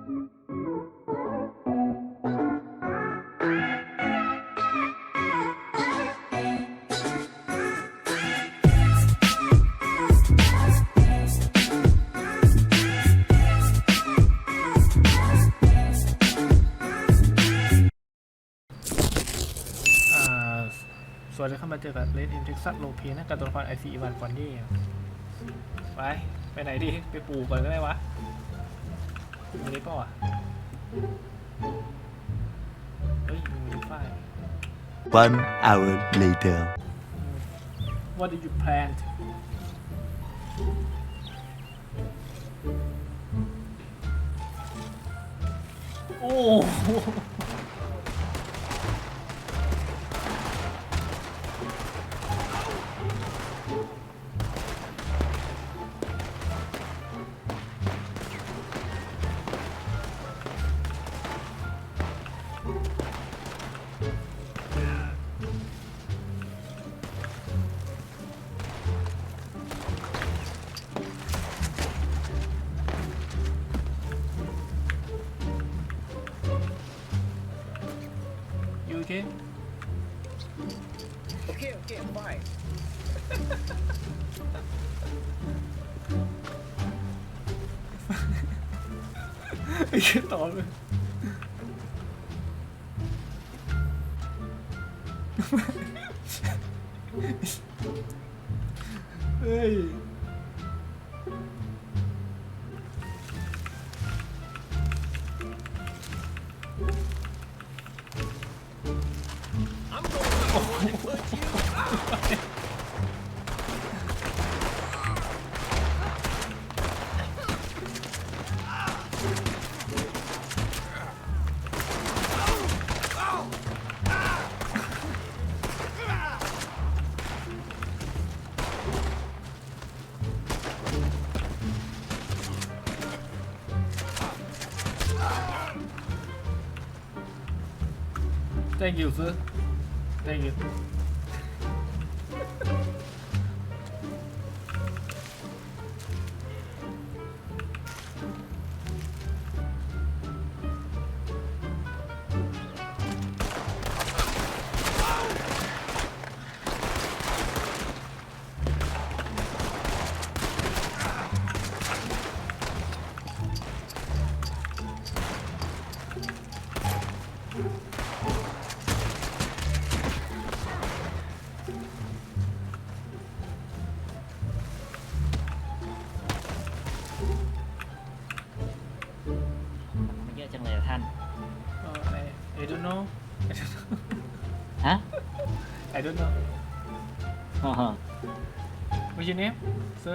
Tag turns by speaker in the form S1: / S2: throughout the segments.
S1: ส่วนจะเข้ามาเจอกับเลดอินเท็กซัสโลเพียนะกับตัวละครไอซีอีวานฟอนดี้ไปไหนดีไปปลูกก่อนก็ได้วะมีได้ป่าวะเฮ้ยมีฝ้าย
S2: 1 hour later
S1: What did you plant โอ้ยูเค
S3: Okay, I'm fine.
S1: ไม่คิดต่อเลยเฮ้ยThank you sir Thank you
S4: มันเยอะจังเลยท่าน
S1: I don't know
S4: ฮะ
S1: I don't know What's your name sir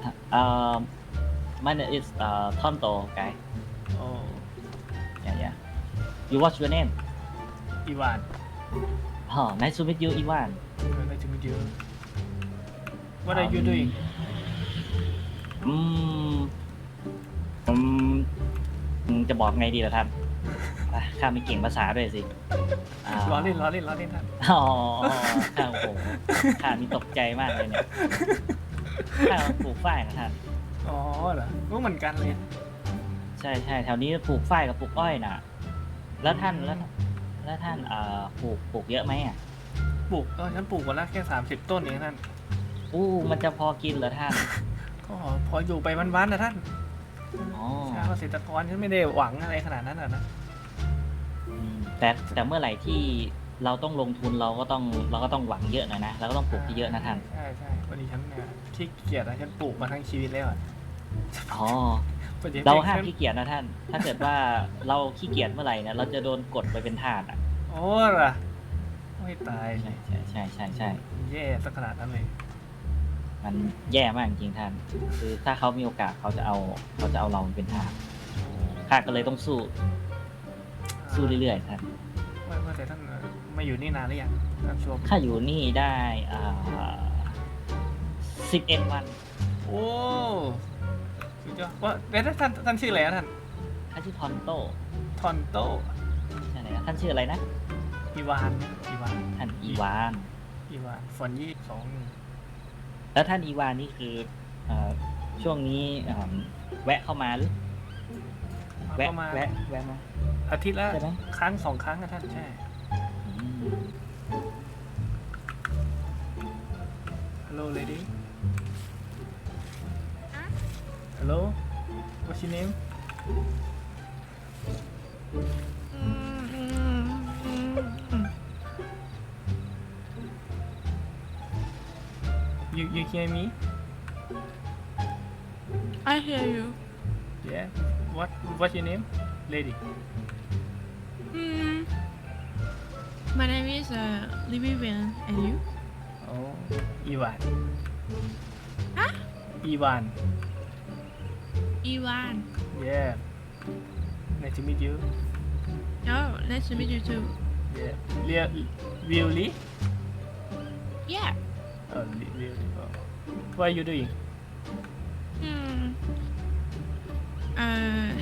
S4: my name is Tonto guy
S1: Oh
S4: yeah you what's your name
S1: Ivan
S4: nice to meet you Ivan
S1: Nice to meet you What are you doing
S4: จะบอกไงดีล่ะท่านข้าไม่เก่งภาษาด้วยสิ
S1: ล้อเล่นท่าน
S4: อ๋อข้าโอ้โหข้านี่ตกใจมากเลยเนี่ยข้าปลูกฝ้ายนะท่าน
S1: อ๋อเหรอก็เหมือนกันเลย
S4: ใช่แถวนี้ปลูกฝ้ายกับปลูกอ้อยน่ะแล้วท่านปลูกเยอะไหมอ่ะ
S1: ปลูกฉันปลูกวันละแค่30 ต้นเองท่าน
S4: มันจะพอกินเหรอท่าน
S1: ก็พออยู่ไปวันๆนะท่าน
S4: อ๋อ
S1: ชาวเกษตรกรฉันไม่ได้หวังอะไรขนาดนั้นนะ
S4: แต่เมื่อไหร่ที่เราต้องลงทุนเราก็ต้องหวังเยอะหน่อยนะเราก็ต้องปลูกเยอะนะท่าน
S1: ใช่วันนี้ฉันขี้เกียจนะฉันปลูกมาทั้งชีวิตแล้ว
S4: อ๋อเราห้ามขี้เกียจนะท่านถ้าเกิดว่าเราขี้เกียจเมื่อไหร่นะเราจะโดนกดไปเป็นทาสอ่ะ
S1: โอ้ล่ะไม่ตาย
S4: ใช่
S1: แย่สักขนาดนั้นเลย
S4: มันแย่มากจริงท่านคือถ้าเขามีโอกาสเขาจะเอาเราเป็นทาสข้าก็เลยต้องสู้เรื่อยๆท่าน
S1: ว่าแต่ท่านมาอยู่นี่นานหรือยังท่านช่วง
S4: ข้าอยู่นี่ได้11 วัน
S1: โอ้สุดยอดว่าแล้วท่านชื่ออะไรนะท่าน
S4: ข้าชื่อทอนโต
S1: ใช่
S4: ไหมท่านชื่ออะไรนะ
S1: อีวาน
S4: ท่านอีวาน
S1: ฟอนยี่2
S4: แล้วท่านอีวานนี่คือช่วงนี้แวะเข้ามาหรือแวะ
S1: ประมาณ
S4: แวะมา
S1: อาทิตย์ละ
S4: ใช่ไหม
S1: ครั้งสองครั้งนะท่านใช่
S4: อืม
S1: Hello lady Hello What's your name You hear me
S3: I hear you.
S1: Yeah What's your name lady
S3: Mm, my name is Livian, and you?
S1: Oh Ivan
S3: Huh?
S1: Ivan
S3: Ivan.
S1: Yeah Nice to meet you
S3: Oh, nice to meet you too.
S1: Yeah Really
S3: Yeah.
S1: Oh really oh. What are you doing
S3: Hmm. Um.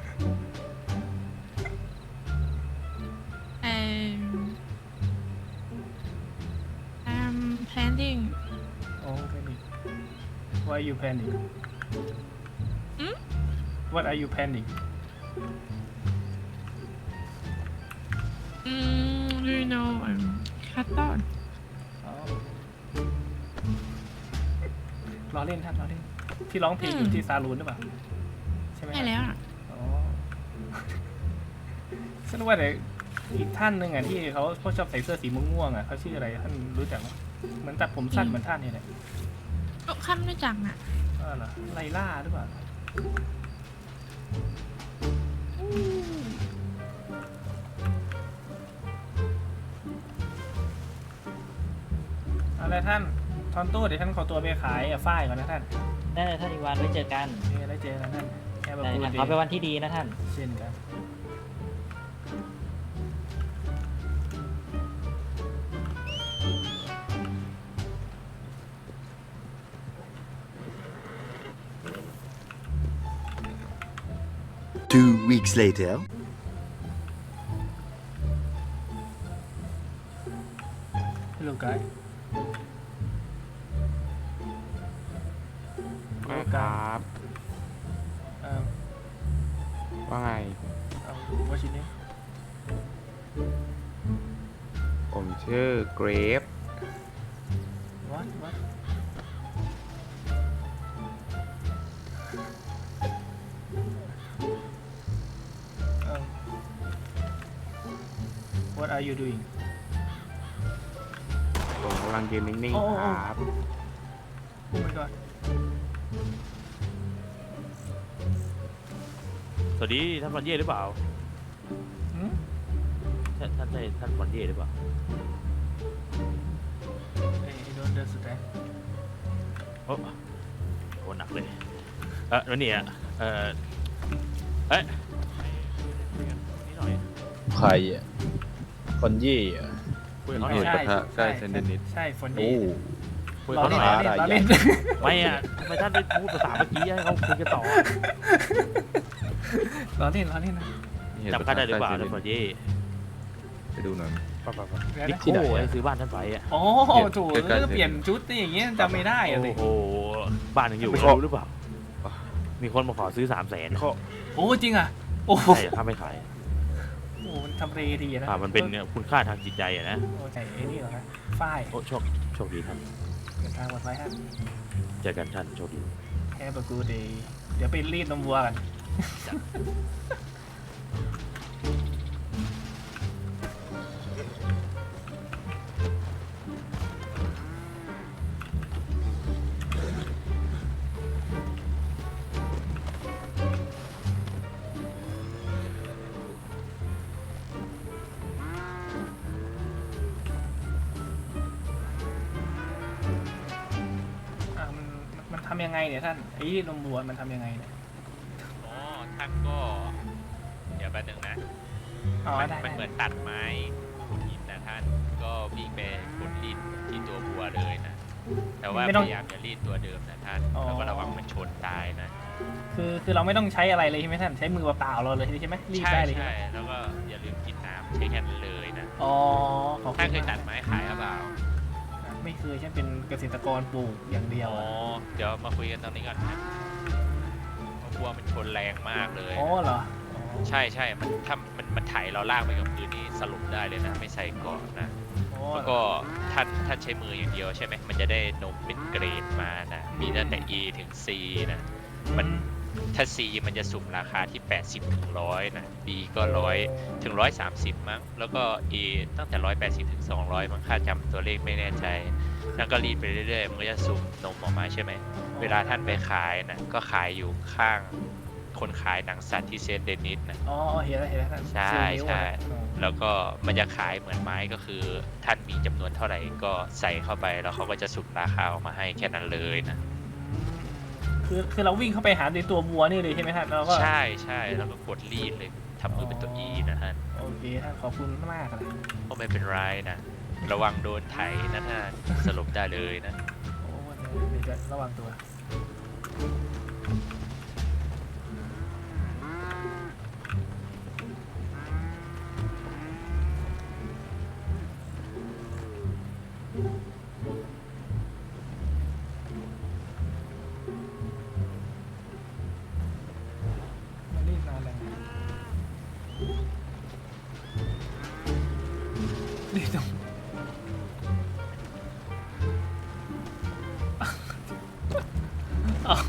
S3: I'm planning.
S1: Oh planning Why are you planning
S3: Hmm?
S1: What are you planning
S3: Do you know Qatar?
S1: อ๋อล้อเล่นท่านล้อเล่นที่ร้องเพลงอยู่ที่ซาลูนหรือเปล่าใช่ไหม
S3: ใช่แล้วอ่ะ
S1: อ๋อฉันว่าแต่อีกท่านหนึ่งอ่ะที่เขาชอบใส่เสื้อสีม่วงๆอ่ะเขาชื่ออะไรท่านรู้จักไหมเหมือนตัดผมสั้นเหมือนท่านนี่แหละ
S3: โอ้ข้ามไม่จังอ่ะ
S1: เหรอไลล่าหรือเปล่าอะไรท่านทอนตู้เดี๋ยวท่านขอตัวไปขายฝ้ายก่อนนะท่าน
S4: ได้เลยท่านอีวานไว้เจอกัน
S1: นี่ได้เจอกันท่านแค่แบบ
S4: ได้
S1: พูด
S4: ท่าน
S1: ดี
S4: ขอเป็นวันที่ดีนะท่าน
S1: เช่นกัน
S2: 2 weeks later.
S1: Hello guy
S5: ครับ ว่าไง
S1: What's your name
S5: ผมชื่อเกรฟ
S1: What What are you doing
S5: ผมกำลังยืนนิ่ง
S1: โอ้
S5: ๆครับ
S1: Oh my god
S6: สวัสดีท่านฟอนเย่หรือเปล่า
S1: หืม
S6: ท่านใช่ท่านฟอนเย่หรือเปล่า
S1: I don't understand
S6: โอ้โหหนักเลยแล้วเนี่ยเอ้ยคุยกันนิดหน่อย
S7: ใครอ่ะคนยี่อ่ะ
S6: คุยกับเขาหน่อย
S5: ปะทะใกล้เซนเดนิส
S1: ใช่ฝน
S7: โอ้
S1: ดี
S6: คุยกับเขาหน่อย
S1: เราเล่น
S6: ไม่อะทำไมท่านไปพูดภาษาเมื่อกี้ให้เขาคุยกันต่อ
S1: เราเล่นเราเล่นนะ
S6: จำข้าได้หรือเปล่าท่านฟอนเย่
S5: ไปดูหน่อย
S6: นิโก้ไอ้ซื้อบ้านท่านไปอะ
S1: โอ้โถเปลี่ยนชุดนี่อย่างเงี้ยจำไม่ได้อะสิ
S6: โอ้โหบ้านยังอยู่รู้หรือเปล่า มีคนมาขอซื้อ300,000
S1: โอ้จริงอ่ะโอ้
S6: ใช่ถ้าไม่ขาย
S1: โหมันทำเรดีนะ
S6: มันเป็นคุณค่าทางจิตใจอะนะ
S1: โอ้ใช่ไอ้นี่เหรอฮะฝ้าย
S6: โอ้โชคดีท่าน
S1: เดินทางปลอดภัยครับ
S6: เจอกันท่านโชคดี
S1: แค่ประกูดีเดี๋ยวไปรีดนมวัวกัน มันทำยังไงเนี่ยท่านไอ้นมวัวมันทำยังไงเนี่ย
S8: อ๋อท่านก็ เดี๋ยวแป๊บนึงนะ
S1: อ๋อ
S8: มัน
S1: ได้
S8: มันเหมื
S1: ได้
S8: อนตัดไม้ขุดหินนะท่าน ก็วิ่งไปขุดรีดที่ตัวบัวเลยนะ แต่ว่าพยายามจะรีดตัวเดิมนะท่าน แล้วก็ระวังมันชนตายนะ
S1: คือเราไม่ต้องใช้อะไรเลยใช่ไหมท่านใช้มือเปล่าๆเราเลยใช่ไหมรีด
S8: ใช่
S1: ได้เลยใช่ไห
S8: ใช่
S1: ม
S8: แล้วก็อย่าลืมกินน้ำใช้แค่นั้นเลยนะ
S1: อ๋อขอบคุ
S8: ท่าน
S1: ณ
S8: เคย
S1: มาก
S8: ตัดไม้ขายหรือเปล่า
S1: ไม่เคยฉันเป็นเกษตรกรปลูกอย่างเดียว
S8: อ๋อ เดี๋ยวมาคุยกันตรงนี้ก่อนนะเพราะบัวมันชนแรงมากเลย
S1: อ๋อเหรออ๋อ
S8: ใช่ใช่มันถ้ามันไถเราลากไปกับพื้นนี่สรุปได้เลยนะ ไม่ใส่เกาะนะ
S1: อ๋อ
S8: แล้วก็ท่านใช้มืออย่างเดียวใช่ไหมมันจะได้นมเป็นเกรดมานะ มีตั้งแต่ A ถึง C นะ มันถ้า C มันจะสุ่มราคาที่ 80 ถึง 100 นะ B ก็ 100 ถึง 130 มั้ง แล้วก็ A ตั้งแต่ 180 ถึง 200 มั้งค่าจำตัวเลขไม่แน่ใจ แล้วก็รีดไปเรื่อยๆ มันก็จะสุ่มนมออกมาใช่ไหม เวลาท่านไปขายนะ ก็ขายอยู่ข้างคนขายหนังสัตว์ที่เซนต์เดนิสนะ
S1: อ๋อเห็นแล้วท่าน
S8: ใช่
S1: สี่นิ้ว
S8: ใช่
S1: อ๋อ
S8: แล้วก็มันจะขายเหมือนไม้ก็คือท่านมีจำนวนเท่าไหร่ก็ใส่เข้าไปแล้วเขาก็จะสุ่มราคาออกมาให้แค่นั้นเลยนะ
S1: คือเราวิ่งเข้าไปหาในตัววัวนี่เลยใช่ไหมท่านเราก็
S8: ใช่ใช่แล้วก็กดรีดเลยทำมือเป็นตัว E นะท่าน
S1: โอเคท่านขอบคุณมากเลย
S8: ก็ไม่เป็นไรนะ ระวังโดนไถนะท่านสรุปได้เลยนะ
S1: โอ้เดี๋ยวจะระวังตัว มันรีบนานเลยรีบตรงอ๋อ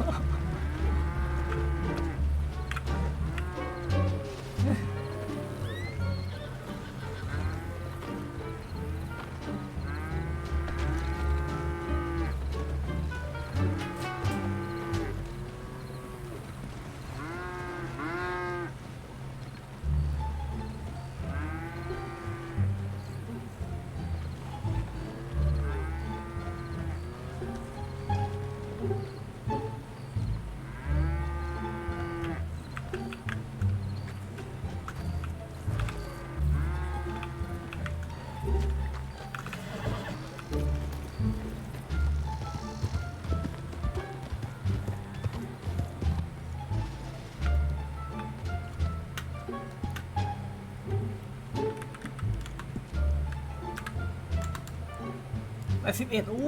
S1: 11อู้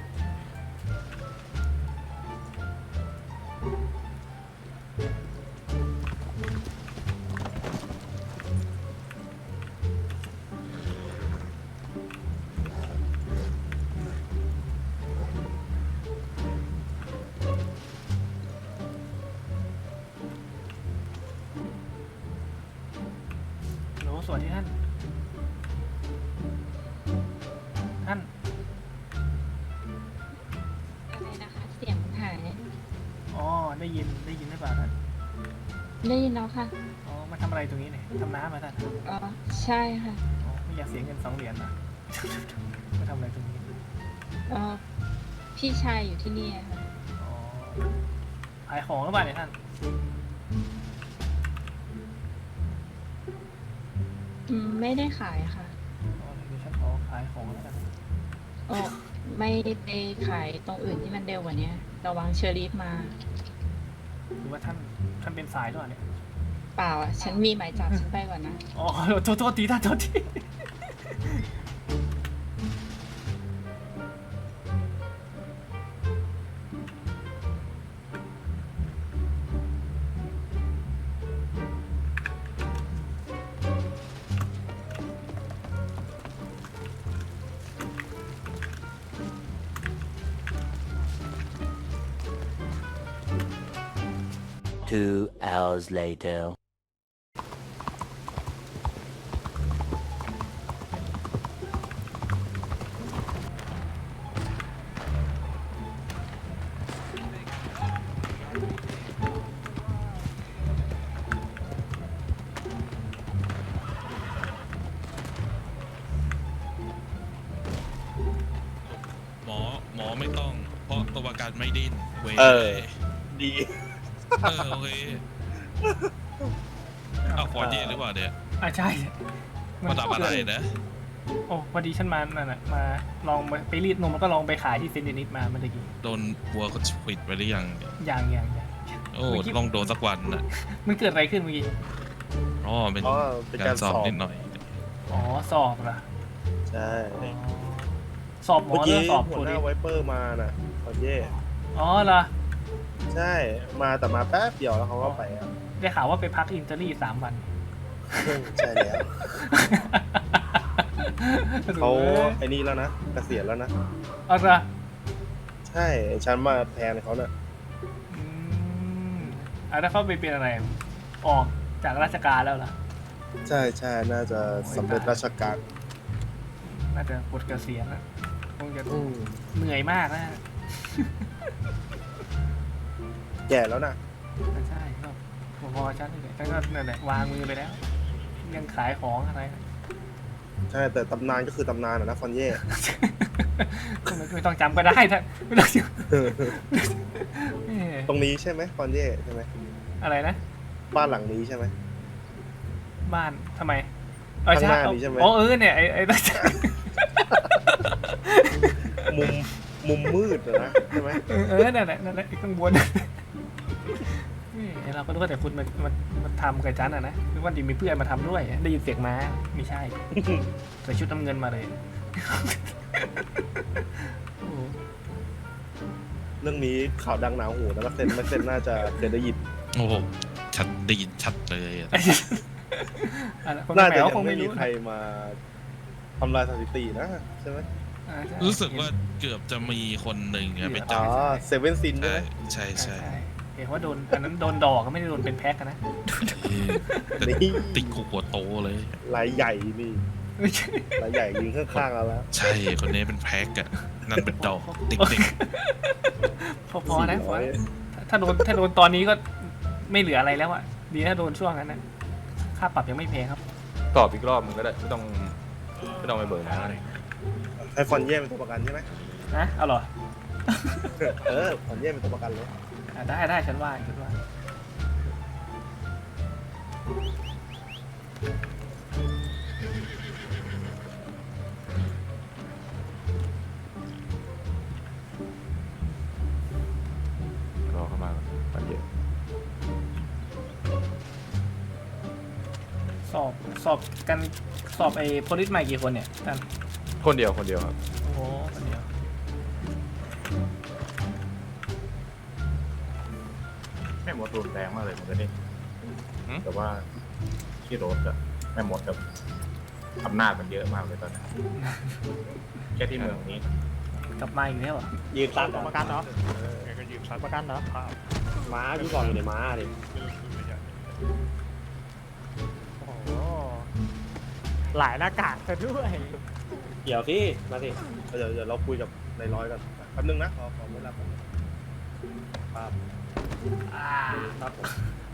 S1: โหสวัสดีท่าน ท่าน
S9: อะไรนะคะเสียงหาย
S1: อ๋อ ได้ยินหรือเปล่าท่าน
S9: ได้ยินแล้วค่ะ
S1: อ๋อ มาทำอะไรตรงนี้เนี่ยทำน้ำมาท่าน
S9: อ๋อใช่ค่ะ
S1: อ๋อ ไม่อยากเสียเงิน2 เหรียญนะ มาทำอะไรตรงนี้
S9: อ๋อพี่ชายอยู่ที่นี่อะค่ะ
S1: อ๋อ ขายของหรือเปล่าเนี่ยท่าน
S9: ไม่ได้ขายค่ะ
S1: อ๋อเดี๋ยวฉันขอขายของแล้วกัน
S9: อ๋อไม่ไปขายตรงอื่นที่มันเร็วกว่านี้ระวังเชอรี่มา
S1: หรือว่าท่านเป็นสายหรือเปล่าเนี่ย
S9: เปล่าอ่ะ ฉันมีหมายจับฉันไปก่อนนะ
S1: อ๋อ โทษทีท่านโทษที
S2: 2 hours later.
S10: หมอไม่ต้อง เพราะตัวประกันไม่ดิ้นเว้ย
S7: ดี
S10: โอเคเอาฟอร์เย่หรือเปล่าเนี่ย
S1: ใช่
S10: มาทำอะไรนะ
S1: โอ้พอดีฉันมานั่นน่ะมาลองไปรีดนมแล้วก็ลองไปขายที่เซนต์เดนิสมาเมื่อกี้
S10: โดนวัวเขาปิดไปหรือยังเนี่ย
S1: อย่าง
S10: โอ้ต้องโดนสักวันนะ
S1: มันเกิดอะไรขึ้นเมื่อกี้
S10: อ๋อเป็น
S7: เป็น
S10: กา
S7: การ ร
S10: สอบ
S7: สอบ
S10: นิดหน่อย
S1: อ๋อ สอบเหรอ
S7: ใช่
S1: อ๋อสอบหมอ
S7: เมื่อ
S1: หรื
S7: กี้
S1: อสอบ
S7: หั
S1: ตัว ว
S7: ห
S1: นี้
S7: น้าไวเปอร์มาน่ะฟอร์เย่
S1: อ๋อเหรอ
S7: ใช่ มาแต่มาแป๊บเดียวแล้วเขาก็ไปอ่ะ
S1: ไได้ข่าวว่าไปพักอินเตอรี่3 วัน
S7: ใช่แล้วเขาไอ้นี่แล้วนะเกษียณแล้วนะ
S1: เอาละ
S7: ใช่ฉันมาแทนเขาเนี่ย
S1: ถ้าเขาไปเป็นอะไร ออกจากราชการแล้วล่ะ
S7: ใช่ใช่น่าจะสำเร็จราชการ
S1: น่าจะปลดเกษียณนะคงจะ
S7: อืม
S1: เหนื่อยมากนะ
S7: แก่แล้วนะ
S1: ใช่ก็พอๆฉันเลยฉันก็นั่นแหละวางมือไปแล้ว ยังขายของอะไร
S7: ใช่แต่ตำนานก็คือตำนานนะฟอนเย่
S1: ไม่ต้องจำก็ได้ท่านไม่ต้องจำ
S7: ตรงนี้ใช่ไหมฟอนเย่ใช่ไหม
S1: อะไรนะ
S7: บ้านหลังนี้ใช่ไหม
S1: บ้านทำไม
S7: ข้างหน้านี้ใช่ไหม
S1: อ๋อเนี่ยไอ้ตั้ง
S7: มุมมืดนะใช่ไหม
S1: นั่นแหละข้างบนนี่เราก็รู้ว่าแต่คุณมาทำกับจันอ่ะนะนึกว่าดีมีเพื่อนมาทำด้วยได้ยินเสียงม้าไม่ใช่ใส่ชุดน้ำเงินมาเลย
S7: เรื่องนี้ข่าวดังหนาหูนะเซนไม่เซนน่าจะเคยได้ยิน
S10: โอ้โหชัดได้ยินชัดเลยอะ
S7: น่าจะยังไม่มีใครมาทำลายสถิตินะใช่ไหม
S10: รู้สึกว่าเกือบจะมีคนหนึ่งอะไป
S7: อ๋
S10: จั
S7: อบ เซเว่นซินใช่ไหม
S10: ใช่ใช่
S1: เห็นว่าโดนอันนั้นโดนดอกก็ไม่ได้โดนเป็นแพ็คนะ
S10: แต่ติดคุกหัวโตเลย
S7: รายใหญ่นี่รายใหญ่ยิงข้างๆเราแล้ว
S10: ใช่คนนี้เป็นแพ็กอะนั่นเป็นดอกติ๊ก
S1: พอนะถ้าโดนตอนนี้ก็ไม่เหลืออะไรแล้วอะดีถ้าโดนช่วงนั้นนะค่าปรับยังไม่แพงครับ
S5: ตอบอีกรอบมึงก็ได้ไม่ต้องไปเบิกนะ
S7: ไอฟอนเย่เป็นตัวประกันใช่ไหม
S1: นะเอาเหรอ
S7: ฟอนเย่เป็นตัวประกันเลย
S1: ได้ฉันว่า
S5: รอเข้ามาปันเยอะ
S1: สอบกันสอบไอ้โพลิสใหม่กี่คนเนี่ยท่าน
S5: คนเดียวครับ
S1: โอ้โหคนเดียว
S11: แม่มดรุนแรงมากเลยมันจะนี่แต่ว่าที่รถอะแม่มดกับอำนาจมันเยอะมากเลยตอนนี้แค่ที่เมืองนี้
S1: กลับมาอีกแล้วเหรอ
S7: ยืนซัด
S4: ประกันเหรอ
S11: ก็ยืมซัด
S4: ประกันเหรอ
S7: ม้าพี่ก่อนอยู่ในม้าดิ
S4: โอ้โหหลายหน้ากากซะด้วย
S7: เดี๋ยวสิมาสิเดี๋ยวเราคุยกับนายร้อยกันแป๊บนึงนะขอเวลาครับครับผม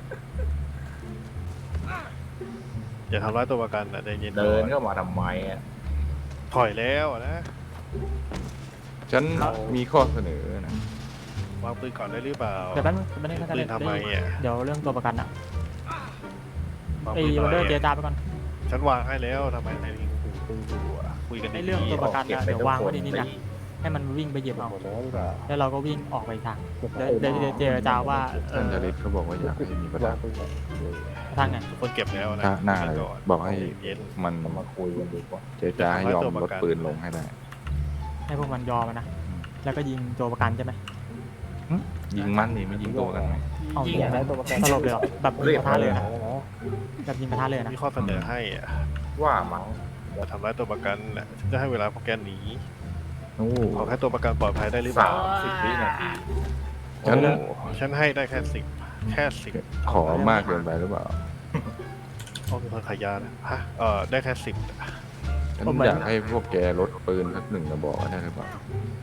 S12: อย่าทำร้ายตัวประกันนะใจเย็น
S11: เดินเข้ามาทำไมอะ
S12: ถอยแล้วนะ
S5: ฉันมีข้อเสนอนะ
S12: วางปืนก่อนได้หรือเปล่า
S4: เดี๋ยวแป๊บนึงไม่ได้
S12: ปืนทำไมอ่ะ
S4: เดี๋ยวเรื่องตัวประกันอะ
S12: วาง
S4: ไอ้
S12: ปืน
S4: วันเดอร์เจ
S12: ทำไม
S4: รจาไปก่อน
S12: ฉันวางให้แล้วทำไมนายยิงปืนอยู่อ่ะคุยกัน
S4: ไอ้
S12: ดีๆ
S4: เรื่องตัวประกันนะเดี๋ยววางไว้ในนี้นะให้มันวิ่งไปเหยียบเอา
S12: หมดแล้วหรือเปล่า
S4: แล้วเราก็วิ่งออกไปอีกทางเดี๋ยวเจรจาว่า
S5: ท่านจริตเขาบอกว่าอยากให้มีประธาน
S4: ทางไง
S12: ทุกคนเก็บแล้วนะ
S5: หน้าเลย
S12: ก่น
S5: บอกให้
S12: เย็น
S5: มัน
S11: มาคุยกันดีกว่า
S5: เจรจาให้ยอมลดปืนลงให้ได้
S4: ให้พวกมันยอมนะแล้วก็ยิงตัวประกันใช่ไหม
S5: ยิงมันนี่ไม่ยิงตัวกันไหม
S4: เอา
S1: ยิง
S4: ยิง
S1: อะไร
S4: สลบเลยเหรอแบบยิงกระทะเลยนะแบบยิงกระทะเลยนะ
S12: มีข้อเสนอให้อ่ะ
S11: ว่ามั้ง
S12: อย่าทำร้ายตัวประกันน่ะฉันจะให้เวลาพวกแกหนี
S5: โอ้
S12: ขอแค่ตัวประกันปลอดภัยได้หรือเปล่า
S11: 30 วินาที
S5: ฉัน
S12: โอ้ฉันให้ได้แค่10
S5: ขอมากเกินไปหรือเปล่า
S12: ต้องมีคนขยานะฮะได้แค่10
S5: ฉันอยากให้พวกแกลดปืนสัก1 กระบอกได้หรือเปล่า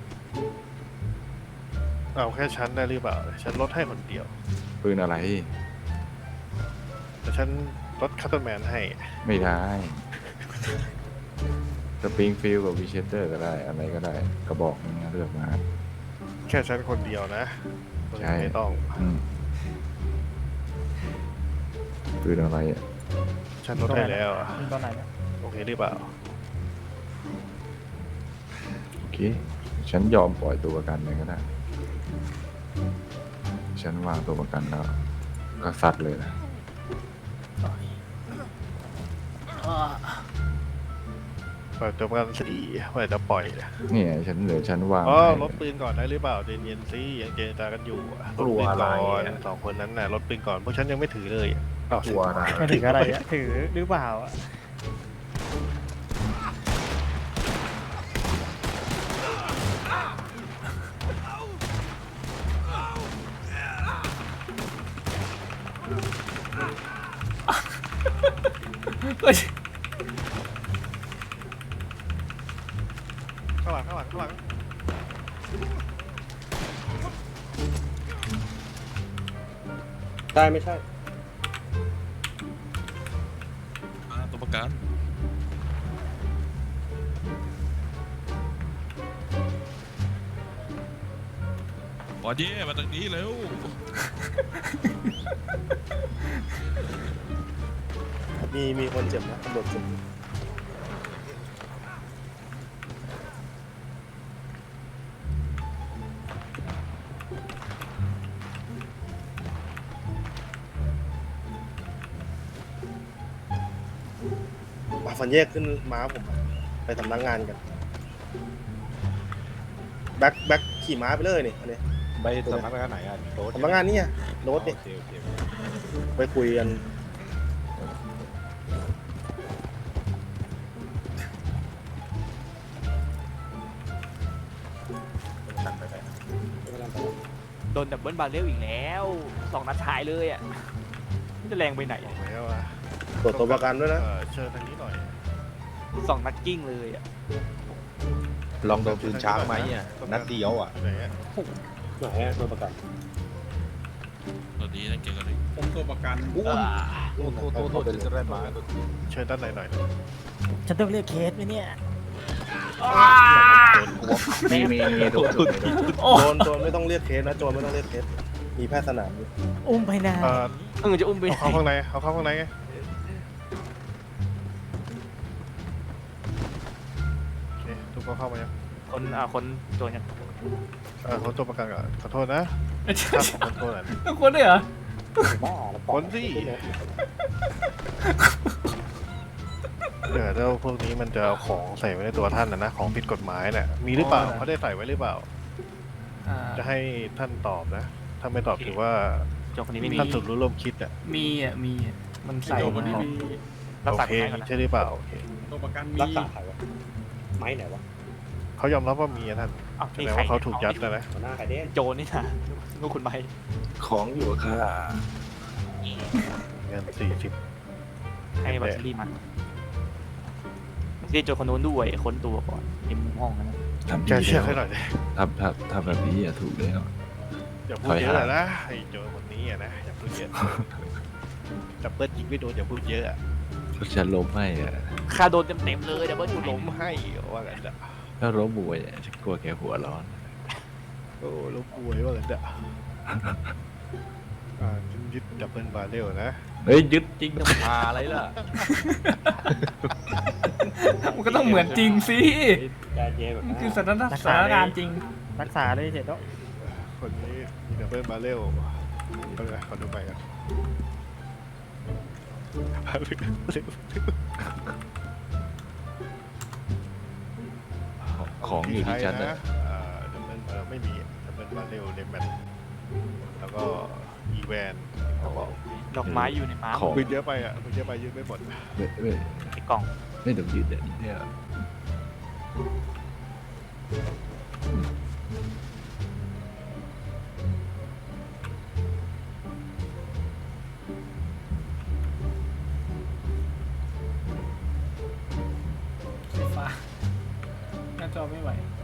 S12: เอาแค่ฉันได้หรือเปล่าฉันลดให้คนเดียว
S5: ปืนอะไร
S12: แต่ฉันลดคัตเตอร์แมนให้
S5: ไม่ได้สปริงฟิลกับวิเชเตอร์ก็ได้อะไรก็ได้กระบอกนึงนะเลือกมา
S12: แค่ฉันคนเดียวนะ
S5: ใช่
S12: ไม่ต้อง
S5: ปืนอะไรอ่ะ
S12: ฉันลดให้แล้วอะ
S4: ยิงตอนไหนเนี่ย
S12: โอเคหรือเปล่า
S5: โอเคฉันยอมปล่อยตัวประกันเลยก็ได้ฉันวางตัวประกันแล้วก็ซัดเลยนะ
S1: เ
S12: ปล่อยตัวประกันสี่เมื่อไหร่จะปล่อยเนี่ย
S5: เนี่ยฉันวาง
S12: อ๋อ
S5: ให้
S12: ลดปืนก่อนได้หรือเปล่าเย็นๆสิยังเจรจากันอยู่อะ
S11: กลัวอะไร
S12: ลดปืนก่อน
S11: อะ
S12: สองคนนั้นน่ะลดปืนก่อนพวกฉันยังไม่ถือเลยอ้าว
S11: ตัวอะไร
S13: ไม่ถึงอะไรอะถือหรือเปล่าอะ
S1: เฮ้ย
S12: ข้างหลัง
S7: ได้ไม่ใช่
S10: ตัวประกันบอดเย่มาตรงนี้เร็ว
S7: มีคนเจ็บนะตำรวจเจ็บมาฟันแยกขึ้นม้าผมอะไปสำนักงานกันแบ็คขี่ม้าไปเลยนี่อันนี้
S11: ไปสำนักงานไหนอ่ะโรถ
S7: สำนักงานนี่รถนี่
S11: โอเค
S7: ไปคุยกัน
S11: ตัดไปไหน
S13: โดนดับเบิลบาร์เรลอีกแล้ว2 นัดท้ายเลยอะมันจะแรงไปไหน
S12: บอกแล้วว่า
S7: ตรวจตัวประกันด้วยนะ
S12: เชิญทางนี้หน่อย
S13: 2 นัดกิ้งเลยอะ
S11: ลองโดนปืนช้างไหมอ่ะนัดเดียวอ่ะ
S12: ไหนอะ
S7: ไหนตัวประกัน
S10: ตอนนี้นั่นเกี่ยวกับอะไร
S11: ผมตัวประกันโทษจะได้มา
S12: เชิญด้านในหน่อย
S13: ฉันต้องเรียกเคสไหมเนี่ย
S5: มีโดน
S7: โจรไม่ต้องเรียกเคสนะโจรไม่ต้องเรียกเคสมีแพทย์สนามอยู่
S13: อุ้มไปนะจะอุ้มไป
S12: เอาเข้าข้างในเอาเข้าข้างในไงโอเคทุกคนเข้ามายัง
S13: คนโดนยัง
S12: คนตัวประกันก่อนขอโทษนะถ้าขอคนตัวหน่อย
S1: ทุกคนด้วยเหรอ
S12: คนสิแล้วพวกนี้มันจะเอาของใส่ไว้ในตัวท่านนะของผิดกฎหมายเนี่ยมีหรือเปล่าเขาได้ใส่ไว้หรือเปล่า จะให้ท่านตอบนะ ถ้าไม่ตอบถือว่า
S13: โจคนนี้ไม่มี
S12: ท่านสุดรู้ร่วมคิดอ่ะ
S1: มีอ่ะมันใส่
S12: โอ
S1: มา
S12: เคใช่หรือเปล่าโอเค
S11: ตัวประกันมี
S7: รักษาใครวะไม้ไหนวะ
S12: เขายอมรับว่ามีอะท่านแสดงว่าเขาถูกยัดนะ
S7: หัวหน้าใครเด้
S13: โจนี่นะลูกคุณไป
S5: ของอยู่ค่ะ
S12: เงิน40
S13: ให้บัตรรีมันที่โจคนนู้นด้วยค้นตัวก่อนในมุมห้องนั้น
S5: ทำ
S12: แก
S5: ดี
S12: เชื่อ
S5: แล้ว
S12: ให้หน่อยดิ
S5: ทำแบบนี้อย่าถูกแล้ว
S12: อย่าพูดเยอะนะไอ้โจคนนี้อะนะอย่าพูดเยอะจับเบิ้ลยิงไม่โดนอย่าพูดเยอะ
S5: ฉันล้มให้อะ
S13: ค่าโดนเต็มเลยดับเบิล
S12: กู
S13: กู
S12: ล้
S13: ล้
S12: ม
S13: ม
S12: ให้ว่ากันจ้ะ
S5: ถ้าล้มบวยอะฉันกลัวแกหัวร้อน
S12: โอ้ล้มป่วยว่ากันจ้ะยึดดับเบิลบาร์เรลนะ
S5: เฮ้ยยึดจริงจะมาอะไรล่ะ
S1: มันก็ต้องเหมือนจริงสิมันคือสถานการณ์จริง
S13: รักษาเลยเสร็จแล้ว
S12: คนนี้มีดับเบิลบาร์เรลเอาเลยขอดูไปกัน
S5: ของอยู่ที่ฉันนะ
S12: ดับเบิลไม่มีดับเบิลบาร์เรลในแมทแล้วก็อีแวนเขาบอก
S13: ดอกไม้อยู่ในม้า
S5: ของ
S12: ปืนเยอะไปอ่ะปืนเยอะไปยืดไม่หมด
S5: ไม่
S13: ในกล่อง
S5: ไม่ต้องยืดแบบนี้เนี่ย
S1: ไฟฟ้าหน้าจอไม่ไหว